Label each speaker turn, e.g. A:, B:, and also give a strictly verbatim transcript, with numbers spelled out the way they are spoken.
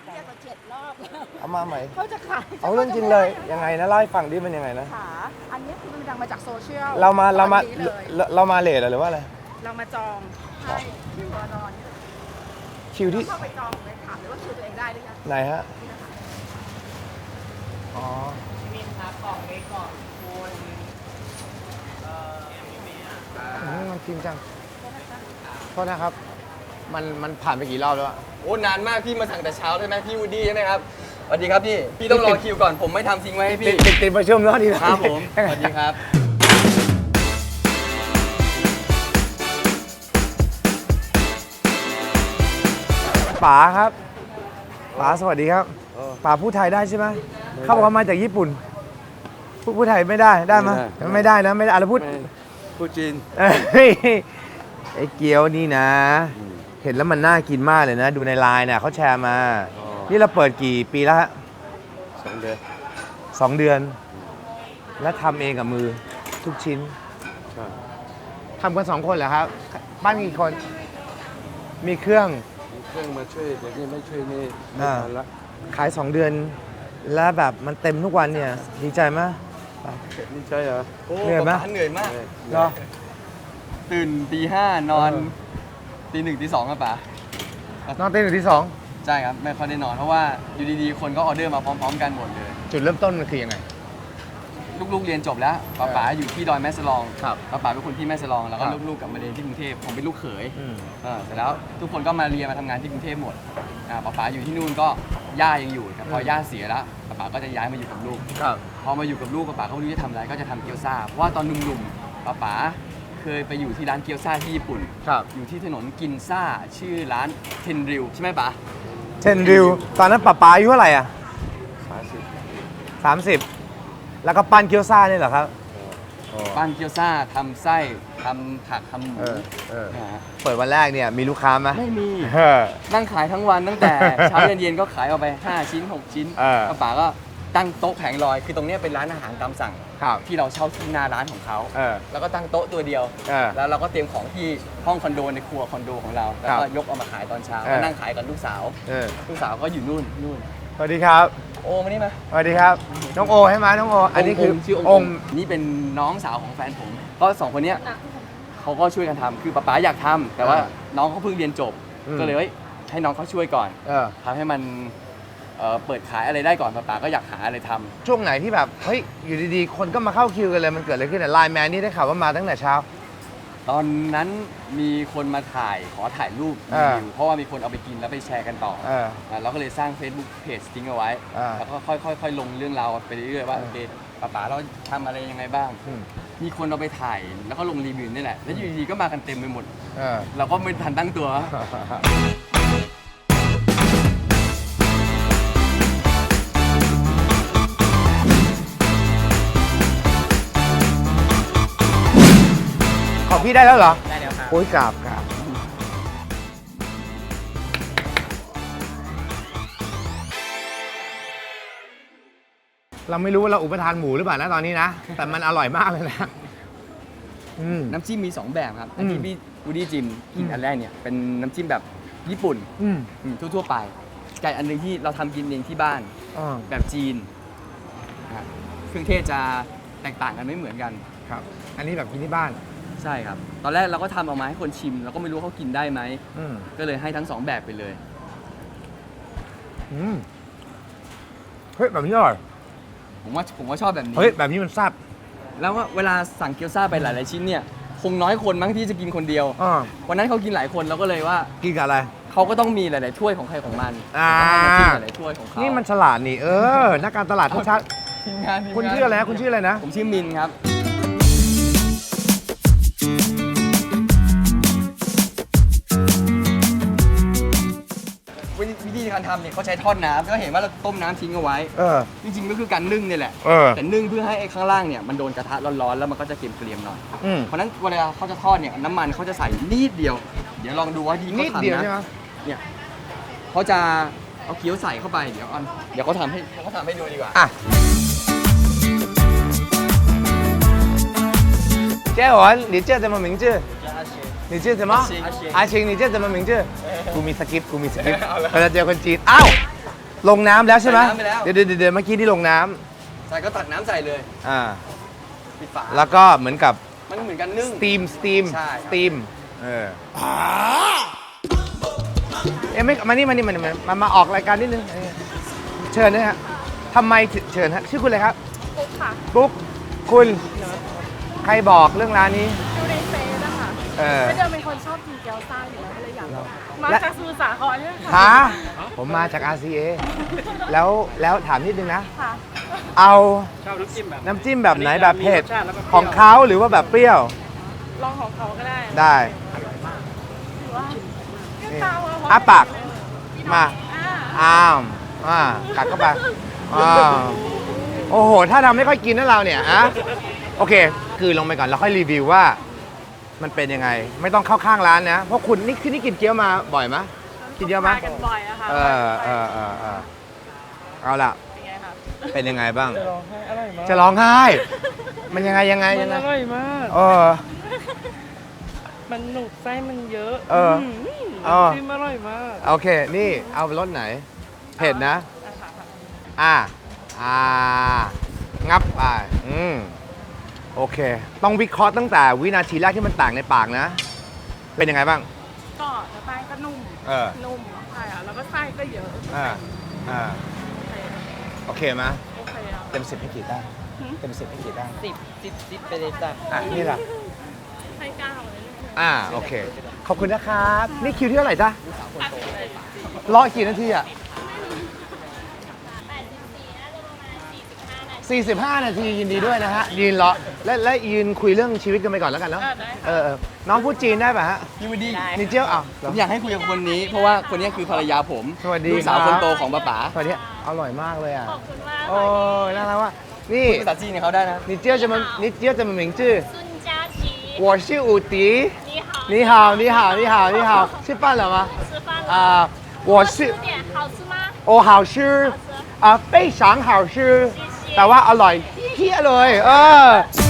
A: เรียกมาเจ็ดรอบ
B: เอามาใหม่
A: เขาจะขาย
B: เอาเรื่องจริงเลยยังไงนะเล่าให้ฟังดิมันยังไงนะ
A: ขาอันนี้คือมันดังมาจากโซเชียล
B: เรามาเรามาเรามาเลทหรือว่าอะไร
A: เรามาจองให้คิวรอนอน
B: คิวที่
A: เข้าไปจองเลยถามเลยว่าคิวตัวเองได้หรือยัง
B: ไหนฮะอ๋อ
C: มินครับกล่องเล็กกล่องคุณเอ่อ
B: มันจริงจังโทษนะครับมันมันผ่านไปกี่รอบแล้วอะ
C: โอ้นานมากพี่มาสั่งแต่เช้าใช่ไหมพี่วูดดี้ใช่ไหมครับสวัสดีครับพี่พี่ต้องรอคิวก่อนผมไม่ทำทิ้งไว้ให้พี่
B: ติดติดประชุมแล้วดีนะครับ
C: ผมสวัสดีครับ
B: ป๋าครับป๋าสวัสดีครับป๋าพูดไทยได้ใช่ไหมเขาบอกว่ามาจากญี่ปุ่นพูดพูดไทยไม่ได้ได้ไหมไม่ได้นะไม่ได้อะไรพูด
D: พูดจีน
B: ไอ้เกี๊ยวนี่นะ เห็นแล้วมันน่ากินมากเลยนะ ดูในไลน์เนี่ยเขาแชร์มา นี่เราเปิดกี่ปีแล้วฮะ
D: สองเดือน
B: สองเดือน แล้วทำเองกับมือทุกชิ้นทำกันสองคนเหรอครับ บ้านมีกี่คน มีเครื่อง
D: มีเครื่องมาช่วยแต่นี่ไม่ช่วยนี่ไม่ทันละ
B: ขายสองเดือน แล้วแบบมันเต็มทุกวันเนี่ย ดีใจไหม
D: ดีใจเหรอ
C: เหนื่อยไหมเหนื่อยมาก
B: เหรอ
C: ตื่นตีห้านอนตีหนึ่งตีสองครับป๋าน
B: อนตีหนึ่งตีสอง
C: ใช่ครับไม่ค่อยได้นอนเพราะว่าอยู่ดีๆคนก็ออเดอร์มาพร้อมๆกันหมดเลย
B: จุดเริ่มต้นมันคือยังไง
C: ลูกๆเรียนจบแล้วป๋าป๋าอยู่ที่ดอยแม่สลองป๋าป๋าเป็นคนที่แม่สลองแล้วก็ลูกๆกลับมาเรียนที่กรุงเทพผมเป็นลูกเขยเสร็จแล้วทุกคนก็มาเรียนมาทำงานที่กรุงเทพหมดป๋าป๋าอยู่ที่นู่นก็ย่ายังอยู่แต่พอย่าเสียแล้วป๋าป๋าก็จะย้ายมาอยู่กับลูกพอมาอยู่กับลูกป๋าป๋าก็ไม่รู้จะทำอะไรก็จะทำเกี๊ยวซ่าเพราะว่าตอนหนุ่มๆป๋าป๋าเคยไปอยู่ที่ร้านเกี๊ยวซ่าที่ญี่ปุ่นอยู่ที่ถนนกินซ่าชื่อร้านเทนริวใช่ไหมป๋า
B: เทนริวตอนนั้นป๋าป๋าอายุเท่าไหร่อ่ะ
D: สามสิบ
B: สามสิบแล้วก็ปั้นเกี๊ยวซ่าเนี่ยเหรอครับ
C: ปั้นเกี๊ยวซ่าทำไส้ทำผักทำหมู
B: เปิดวันแรกเนี่ยมีลูกค้าไหม
C: ไม่มีนั่งขายทั้งวันตั้งแต่เช้าเย็นๆก็ขายออกไปห้าชิ้นหกชิ้นป๋าก็ตั้งโต๊ะแผงลอยคือตรงนี้เป็นร้านอาหารตามสั่งที่เราเช่าที่หน้าร้านของเขาแล้วก็ตั้งโต๊ะตัวเดียวแล้วเราก็เตรียมของที่ห้องคอนโดในครัวคอนโดของเราแล้วก็ยกเอามาขายตอนเช้าแล้วนั่งขายกับลูกสาวลูกสาวก็อยู่นู่นนู่น
B: สวัสดีครับ
C: โอมานี่มา
B: สวัสดีครับน้องโอให้มาน้องโออันนี้คือ
C: ชื่อองค์นี่เป็นน้องสาวของแฟนผมก็สองคนนี้เขาก็ช่วยกันทำคือป๊าป๋าอยากทำแต่ว่าน้องเขาเพิ่งเรียนจบก็เลยให้น้องเขาช่วยก่อนทำให้มันเปิดขายอะไรได้ก่อนป๊าป๋าก็อยากหาอะไรทำ
B: ช่วงไหนที่แบบเฮ้ยอยู่ดีๆคนก็มาเข้าคิวกันเลยมันเกิดอะไรขึ้นเนี่ยไลน์แมนนี่ได้ข่าวว่ามาตั้งแต่เช้า
C: ตอนนั้นมีคนมาถ่ายขอถ่ายรูปรีวิวเพราะว่ามีคนเอาไปกินแล้วไปแชร์กันต่อเราก็เลยสร้าง Facebook Page ทิ้งเอาไว้แล้วก็ค่อยๆลงเรื่องราวไปเรื่อยๆว่าโอเคป๋าป๋าเราทำอะไรยังไงบ้างมีคนเอาไปถ่ายแล้วก็ลงรีวิวนี่แหละแล้วอยู่ดีๆก็มากันเต็มไปหมดเราก็ไม่ทันตั้งตัว
B: ของพี่ได้แล้วเหรอ
C: ได้แล้วครับ
B: โอ้ยกราบกราบเราไม่รู้ว่าเราอุปทานหมูหรือเปล่านะตอนนี้นะแต่มันอร่อยมากเลยนะ
C: น้ำจิ้มมีสองแบบครับอันที่พี่วูดดี้จิมกินอันแรกเนี่ยเป็นน้ำจิ้มแบบญี่ปุ่นทั่วๆไปไก่อันนึงที่เราทำกินเองที่บ้านแบบจีนเครื่องเทศจะแตกต่างกันไม่เหมือนกัน
B: ครับอันนี้แบบกินที่บ้าน
C: ใช่ครับตอนแรกเราก็ทำออกมาให้คนชิมเราก็ไม่รู้เขากินได้ไหมก็เลยให้ทั้งสองแบบไปเลย
B: เฮ้ยแบบนี้อร่อย
C: ผมว่าผมว่าชอบแบบนี้
B: เฮ้ยแบบนี้มันแซ่บ
C: แล้วว่าเวลาสั่งเกี๊ยวซ่าไปหลายๆชิ้นเนี่ยคงน้อยคนมั้งที่จะกินคนเดียววันนั้นเขากินหลายคนเราก็เลยว่า
B: กินกับอะไร
C: เขาก็ต้องมีหลายๆถ้วยของใครของมัน
B: อ่า
C: หลายๆถ้วยของเขา
B: นี่มันฉลาดนี่เออนักการตลาดทุกชัด
C: ทีมงาน
B: คุณชื่ออะไรนะคุณชื่ออะไรนะ
C: ผมชื่อมินครับวิธีการทำเนี่ยเขาใช้ทอดน้ำก็เห็นว่าเราต้มน้ำทิ้งเอาไว้จริงๆก็คือการนึ่งเนี่ยแหละแต่นึ่งเพื่อให้ไอ้ข้างล่างเนี่ยมันโดนกระทะร้อนๆแล้วมันก็จะเกรียมๆหน่อยเพราะนั้นเวลาเขาจะทอดเนี่ยน้ำมันเขาจะใส่นิดเดียวเดี๋ยวลองดูว่าที่เขาทำนะเนี่ยเขาจะเอาเกี๊ยวใส่เข้าไปเดี๋ยวอันเดี๋ยวเขาทำให้เขาทำให้ดูดีกว่า
B: เจ้าหวน你叫什么名字你叫什么อาชิง你叫什么名字กูมีสคริปต์กูมีสคริปต์เราจะเจอคนจีนอ้าวลงน้ำแล้วใช่ไหม
C: ใส่น้ำไปแล้ว
B: เดี๋ยวเดี๋ยวเดี๋ยวเมื่อกี้ที่ลงน้
C: ใส่ก็ตักน้ำใส่เลย
B: ำอ่า
C: ปิดฝา
B: แล้วก็เหมือนกับ
C: มันเหมือนกันนึ่ง
B: สตีมสตีม
C: ใช่
B: สตีมเออเอ๊ะไม่มานี่มานี่มานี่มามามาออกรายการนิดนึงเออเชิญนะฮะทำไมถึงเชิญฮะชื่อคุณอะไรครับ
A: ปุ๊บค่ะ
B: ปุ๊กคุณใครบอกเรื่องร้านนี้
A: ดูในเฟซนะคะ
B: เออ
A: ไม่เดิมเป็นคนชอบกินเกี๊ยวซ่าอยู่แล้วก็เลยอยากลองมา
B: และ
A: จากสมุทรสาครเนี่ย
B: ฮะ
A: ค่ะ
B: ผมมาจาก อาร์ ซี เอ แล้วแล้วถามนิดนึงนะ
A: ค่ะ
B: เอา
E: ชอบน้ำจิ้มแบบ
B: น้ำจิ้มแบบไหนแบบเผ็ด
E: มีรสชาติแล้วก็เปรี้ยว
B: ของเขาหรือว่าแบบเปรี้ยว
A: ลองของเขาก็ได้
B: ได้
A: หรือว่าก็ตามเข
B: อ้าปากมา
A: อ่า
B: อ้าวอ่ากัดเข้าไปอ้าวโอ้โห ถ้าทำไม่ค่อยกินนะเราเนี่ยอะโอเค คือลงไปก่อนแล้วค่อยรีวิวว่า มันเป็นยังไง ไม่ต้องเข้าข้างร้านนะ เพราะคุณนี่คือนี่กินเกี๊ยวมาบ่อยไหมกินเยอะไหม
A: มากันบ่อยอะค่ะ
B: เออเออเออเออเอาล่ะ
A: เป็นไงคะ
B: เป็นยังไงบ้าง
E: ร้องไห้อร่อยมาก
B: จะร้องไห้ มันยังไงยังไง
E: มั
B: ยัง
E: น
B: ไง
E: อร่อยมาก
B: เออ
E: มันหนุกไส้มันเยอะ
B: เออ
E: ม
B: เออ
E: น้ำจิ้มอร่อยมาก
B: โอเค นี่เอารสไหน เผ็ดนะ
A: อ่ะค่ะค่ะ
B: อ่า อ่า งับไปอืม โอเค ต้องวิเคราะห์ตั้งแต่วินาทีแรกที่มันต่างในปากนะ เป็นยังไงบ้าง
A: ก็แต่แป้งก็นุ่ม
B: เออ
A: นุ่มใช่อะแล้วก็ไส้ก็เยอะ
B: อ่า อ่า
A: โอเค
B: โอเคไหม
A: โอเคอะ
B: เต็มสิบให้กี่ได้เต็มสิบให้กี่ได้
E: สิบสิบสิบไปเลยจ้ะ
B: อ่ะ นี่ล่ะ
A: ให้เก้าเลยลูก
B: อ่า โอเค ขอบคุณนะครับ นี่คิวที่เท่าไหร่จ๊ะรอกี่นาทีอ่ะสี่สิบห้านาทียินดีด้วยนะฮะ ยืนรอ และและยืนคุยเรื่องชีวิตกันไปก่อนแล้วกันเนาะ
A: อ่ะได้ค่ะ
B: เออเออน้องพูดจีนได้ป่ะฮะ
C: ยูดี
B: นิเจียวอ่ะ
C: ผมอยากให้คุยกับคนนี้ เพราะว่าคนนี้คือภรรยาผม
B: สวัสดี
C: ลูกสาว
B: ครับ
C: คนโตของป้าป๋า
B: สวัสดีอร่อยมากเลยอ่ะ
A: ขอบคุณมาก
B: โอ้ยน่ารักว่ะนี่
C: ภาษาจีนเนี่ยเขาได้นะ
B: 你叫什么？你叫什么名字？
F: 孙佳琪，
B: 我是武迪。
F: 你好，
B: 你好，你好，你好，你好，吃饭了吗？
F: 吃饭了。
B: 啊，我是
F: 吃点好吃吗？
B: 我好吃啊，非常好吃，
F: 谢谢
B: แต่ว่าอร่อยเพี้ยเลย เออ